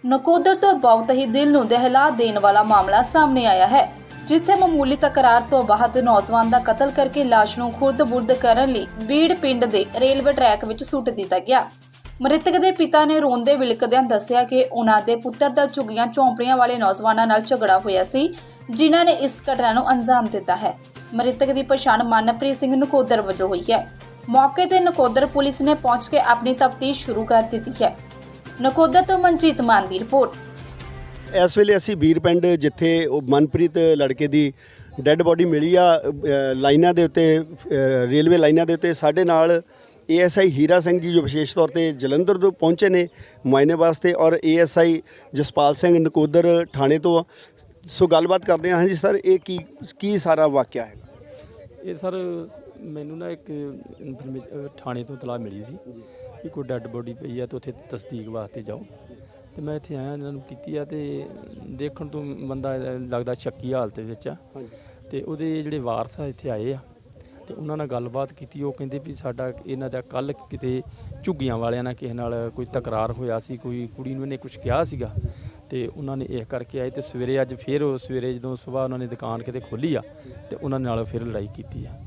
ਨਕੋਦਰ ਤੋਂ ਬਹੁਤ ਹੀ ਦਿਲ ਨੂੰ ਦਹਿਲਾ ਦੇਣ ਵਾਲਾ ਮਾਮਲਾ ਸਾਹਮਣੇ ਆਇਆ ਹੈ, ਜਿੱਥੇ ਮਾਮੂਲੀ ਤਕਰਾਰ ਤੋਂ ਬਾਅਦ ਨੌਜਵਾਨ ਦਾ ਕਤਲ ਕਰਕੇ ਲਾਸ਼ ਨੂੰ ਖੁਰਦ-ਬੁਰਦ ਕਰਨ ਲਈ ਬੀੜ ਪਿੰਡ ਦੇ ਰੇਲਵੇ ਟਰੈਕ ਵਿੱਚ ਸੁੱਟ ਦਿੱਤਾ ਗਿਆ। ਮ੍ਰਿਤਕ ਦੇ ਪਿਤਾ ਨੇ ਰੋਂਦੇ ਵਿਲਕਦਿਆਂ ਦੱਸਿਆ ਕਿ ਉਹਨਾਂ ਦੇ ਪੁੱਤਰ ਦਾ ਝੁੱਗੀਆਂ ਝੌਂਪੜੀਆਂ ਵਾਲੇ ਨੌਜਵਾਨਾਂ ਨਾਲ ਝਗੜਾ ਹੋਇਆ ਸੀ, ਜਿਨ੍ਹਾਂ ਨੇ ਇਸ ਘਟਨਾ ਨੂੰ ਅੰਜਾਮ ਦਿੱਤਾ ਹੈ। ਮ੍ਰਿਤਕ ਦੀ ਪਛਾਣ ਮਨਪ੍ਰੀਤ ਸਿੰਘ ਨਕੋਦਰ ਵਜੋਂ ਹੋਈ ਹੈ। ਮੌਕੇ ਤੇ ਨਕੋਦਰ ਪੁਲਿਸ ਨੇ ਪਹੁੰਚ ਕੇ ਆਪਣੀ ਤਫਤੀਸ਼ ਸ਼ੁਰੂ ਕਰ ਦਿੱਤੀ ਹੈ। ਨਕੋਦਰ ਤੋਂ ਮਨਜੀਤ ਮਾਨ ਦੀ ਰਿਪੋਰਟ। ਇਸ ਵੇਲੇ ਅਸੀਂ ਬੀੜ ਪਿੰਡ ਜਿੱਥੇ ਉਹ ਮਨਪ੍ਰੀਤ ਲੜਕੇ ਦੀ ਡੈੱਡ ਬੋਡੀ ਮਿਲੀ ਆ ਲਾਈਨਾਂ ਦੇ ਉੱਤੇ ਰੇਲਵੇ ਲਾਈਨਾਂ ਦੇ ਉੱਤੇ ਸਾਡੇ ਨਾਲ ASI ਹੀਰਾ ਸਿੰਘ ਜੀ ਜੋ ਵਿਸ਼ੇਸ਼ ਤੌਰ ਤੇ ਜਲੰਧਰ ਤੋਂ ਪਹੁੰਚੇ ਨੇ ਮੁਆਇਨੇ ਵਾਸਤੇ ਔਰ ASI ਜਸਪਾਲ ਸਿੰਘ ਨਕੋਦਰ ਥਾਣੇ ਤੋਂ। ਸੋ ਗੱਲਬਾਤ ਕਰਦੇ ਹਾਂ ਜੀ ਸਰ, ਇਹ ਕੀ ਸਾਰਾ ਵਾਕਿਆ ਹੈ? ਇਹ ਸਰ ਮੈਨੂੰ ਨਾ ਇੱਕ ਇਨਫੋਰਮੇਸ਼ਨ ਥਾਣੇ ਤੋਂ ਇਤਲਾਹ ਮਿਲੀ ਸੀ ਕਿ ਕੋਈ ਡੈੱਡ ਬੋਡੀ ਪਈ ਆ ਤੇ ਉੱਥੇ ਤਸਦੀਕ ਵਾਸਤੇ ਜਾਓ, ਤੇ ਮੈਂ ਇੱਥੇ ਆਇਆ, ਇਹਨਾਂ ਨੂੰ ਕੀਤੀ ਆ ਤੇ ਦੇਖਣ ਤੋਂ ਬੰਦਾ ਲੱਗਦਾ ਸ਼ੱਕੀ ਹਾਲਤ ਵਿੱਚ ਆ। ਤੇ ਉਹਦੇ ਜਿਹੜੇ ਵਾਰਸ ਆ ਇੱਥੇ ਆਏ ਆ ਤੇ ਉਹਨਾਂ ਨਾਲ ਗੱਲਬਾਤ ਕੀਤੀ। ਉਹ ਕਹਿੰਦੇ ਵੀ ਸਾਡਾ ਇਹਨਾਂ ਦਾ ਕੱਲ੍ਹ ਕਿਤੇ ਝੁੱਗੀਆਂ ਵਾਲਿਆਂ ਨਾਲ ਕਿਸੇ ਨਾਲ ਕੋਈ ਤਕਰਾਰ ਹੋਇਆ ਸੀ, ਕੋਈ ਕੁੜੀ ਨੂੰ ਇਹਨੇ ਕੁਝ ਕਿਹਾ ਸੀਗਾ ਤੇ ਉਹਨਾਂ ਨੇ ਇਹ ਕਰਕੇ ਆਏ ਤੇ ਸਵੇਰੇ ਅੱਜ ਫਿਰ ਉਹ ਸਵੇਰੇ ਜਦੋਂ ਸਵੇਰ ਉਹਨਾਂ ਨੇ ਦੁਕਾਨ ਕਿਤੇ ਖੋਲ੍ਹੀ ਆ ਤੇ ਉਹਨਾਂ ਨਾਲ ਫਿਰ ਲੜਾਈ ਕੀਤੀ ਆ।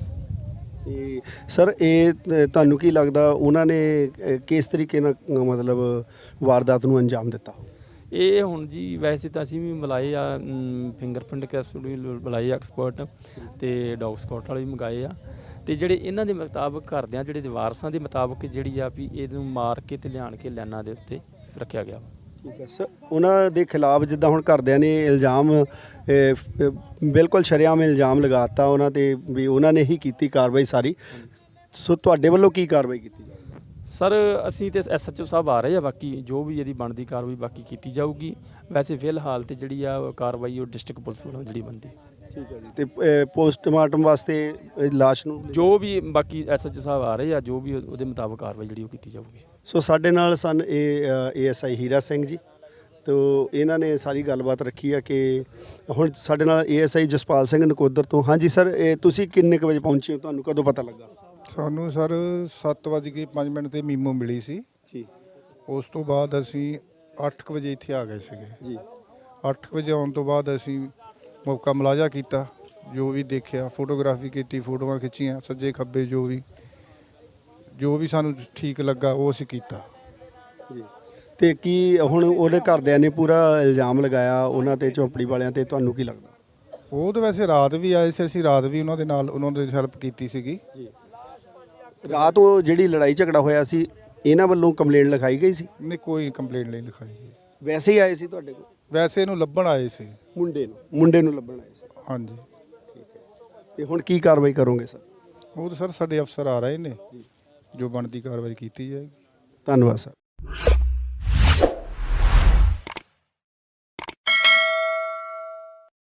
ਤੇ ਸਰ ਇਹ ਤੁਹਾਨੂੰ ਕੀ ਲੱਗਦਾ ਉਹਨਾਂ ਨੇ ਕਿਸ ਤਰੀਕੇ ਨਾਲ ਮਤਲਬ ਵਾਰਦਾਤ ਨੂੰ ਅੰਜਾਮ ਦਿੱਤਾ? ਇਹ ਹੁਣ ਜੀ ਵੈਸੇ ਤਾਂ ਅਸੀਂ ਵੀ ਬੁਲਾਏ ਆ, ਫਿੰਗਰਪ੍ਰਿੰਟ ਟੈਸਟ ਵੀ ਬੁਲਾਏ ਆ ਐਕਸਪਰਟ ਤੇ ਡੌਗ ਸਕਾਟ ਵਾਲੇ ਵੀ ਮੰਗਾਏ ਆ। ਤੇ ਜਿਹੜੇ ਇਹਨਾਂ ਦੇ ਮੁਤਾਬਕ ਘਰਦਿਆਂ ਜਿਹੜੇ ਵਾਰਸਾਂ ਦੇ ਮੁਤਾਬਕ ਜਿਹੜੀ ਆ ਵੀ ਇਹਨੂੰ ਮਾਰ ਕੇ ਤੇ ਲਿਆਣ ਕੇ ਲਾਈਨਾਂ ਦੇ ਉੱਤੇ ਰੱਖਿਆ ਗਿਆ। ਠੀਕ ਹੈ ਸਰ, ਉਹਨਾਂ ਦੇ ਖਿਲਾਫ ਜਿੱਦਾਂ ਹੁਣ ਘਰਦਿਆਂ ਨੇ ਇਲਜ਼ਾਮ ਬਿਲਕੁਲ ਸ਼ਰੇਆਮ ਇਲਜ਼ਾਮ ਲਗਾਤਾ ਉਹਨਾਂ ਤੇ ਵੀ ਉਹਨਾਂ ਨੇ ਹੀ ਕੀਤੀ ਕਾਰਵਾਈ ਸਾਰੀ। ਸੋ ਤੁਹਾਡੇ ਵੱਲੋਂ ਕੀ ਕਾਰਵਾਈ ਕੀਤੀ? ਸਰ ਅਸੀਂ ਤੇ SHO ਸਾਹਿਬ ਆ ਰਹੇ ਆ, ਬਾਕੀ ਜੋ ਵੀ ਇਹਦੀ ਬਣਦੀ ਕਾਰਵਾਈ ਬਾਕੀ ਕੀਤੀ ਜਾਊਗੀ। ਵੈਸੇ ਫਿਲਹਾਲ ਤੇ ਜਿਹੜੀ ਆ ਕਾਰਵਾਈ ਉਹ ਡਿਸਟ੍ਰਿਕਟ ਪੁਲਿਸ ਵੱਲੋਂ ਜਿਹੜੀ ਬਣਦੀ। ਠੀਕ ਹੈ ਜੀ। ਤੇ ਪੋਸਟਮਾਰਟਮ ਵਾਸਤੇ ਲਾਸ਼ ਨੂੰ ਜੋ ਵੀ ਬਾਕੀ SHO ਸਾਹਿਬ ਆ ਰਹੇ ਆ, ਜੋ ਵੀ ਉਹਦੇ ਮੁਤਾਬਕ ਕਾਰਵਾਈ ਜਿਹੜੀ ਉਹ ਕੀਤੀ ਜਾਊਗੀ। ਸੋ ਸਾਡੇ ਨਾਲ ਸਨ ASI ਹੀਰਾ ਸਿੰਘ ਜੀ, ਤੋ ਇਹਨਾਂ ਨੇ ਸਾਰੀ ਗੱਲਬਾਤ ਰੱਖੀ ਆ ਕਿ ਹੁਣ ਸਾਡੇ ਨਾਲ ASI ਜਸਪਾਲ ਸਿੰਘ ਨਕੋਦਰ ਤੋਂ। ਹਾਂਜੀ ਸਰ, ਇਹ ਤੁਸੀਂ ਕਿੰਨੇ ਕੁ ਵਜੇ ਪਹੁੰਚੇ ਹੋ, ਤੁਹਾਨੂੰ ਕਦੋਂ ਪਤਾ ਲੱਗਾ? ਸਾਨੂੰ ਸਰ 7:05 ਤੇ ਮੀਮੋ ਮਿਲੀ ਸੀ ਜੀ। ਉਸ ਤੋਂ ਬਾਅਦ ਅਸੀਂ 8 ਵਜੇ ਇੱਥੇ ਆ ਗਏ ਸੀਗੇ ਜੀ। 8 ਵਜੇ ਆਉਣ ਤੋਂ ਬਾਅਦ ਅਸੀਂ ਮੌਕਾ ਮੁਲਾਜ਼ਾ ਕੀਤਾ, ਜੋ ਵੀ ਦੇਖਿਆ, ਫੋਟੋਗ੍ਰਾਫੀ ਕੀਤੀ, ਫੋਟੋਆਂ ਖਿੱਚੀਆਂ ਸੱਜੇ ਖੱਬੇ, ਜੋ ਵੀ ਸਾਨੂੰ ਠੀਕ ਲੱਗਾ ਉਹ ਅਸੀਂ ਕੀਤਾ ਜੀ। ਤੇ ਕੀ ਹੁਣ ਉਹਦੇ ਘਰਦਿਆਂ ਨੇ ਪੂਰਾ ਇਲਜ਼ਾਮ ਲਗਾਇਆ ਉਹਨਾਂ ਤੇ, ਝੌਂਪੜੀ ਵਾਲਿਆਂ ਤੇ, ਤੁਹਾਨੂੰ ਕੀ ਲੱਗਦਾ? ਉਹ ਤਾਂ ਵੈਸੇ ਰਾਤ ਵੀ ਆਏ ਸੀ, ਅਸੀਂ ਰਾਤ ਵੀ ਉਹਨਾਂ ਦੇ ਨਾਲ ਉਹਨਾਂ ਦੀ ਹੈਲਪ ਕੀਤੀ ਸੀਗੀ ਜੀ। ਰਾਤ ਉਹ ਜਿਹੜੀ ਲੜਾਈ ਝਗੜਾ ਹੋਇਆ ਸੀ ਇਹਨਾਂ ਵੱਲੋਂ ਕੰਪਲੇਂਟ ਲਿਖਾਈ ਗਈ ਸੀ? ਨਹੀਂ, ਕੋਈ ਕੰਪਲੇਂਟ ਨਹੀਂ ਲਿਖਾਈ ਗਈ। ਵੈਸੇ ਹੀ ਆਏ ਸੀ ਤੁਹਾਡੇ ਕੋਲ? ਵੈਸੇ ਇਹਨੂੰ ਲੱਭਣ ਆਏ ਸੀ, ਮੁੰਡੇ ਨੂੰ ਲੱਭਣ ਆਏ ਸੀ। ਹਾਂਜੀ। ਠੀਕ ਹੈ। ਤੇ ਹੁਣ ਕੀ ਕਾਰਵਾਈ ਕਰੋਗੇ ਸਰ? ਉਹ ਤਾਂ ਸਰ ਸਾਡੇ ਅਫਸਰ ਆ ਰਹੇ ਨੇ, ਜੋ ਬਣਦੀ ਕਾਰਵਾਈ ਕੀਤੀ ਜਾਏਗੀ। ਧੰਨਵਾਦ ਸਰ।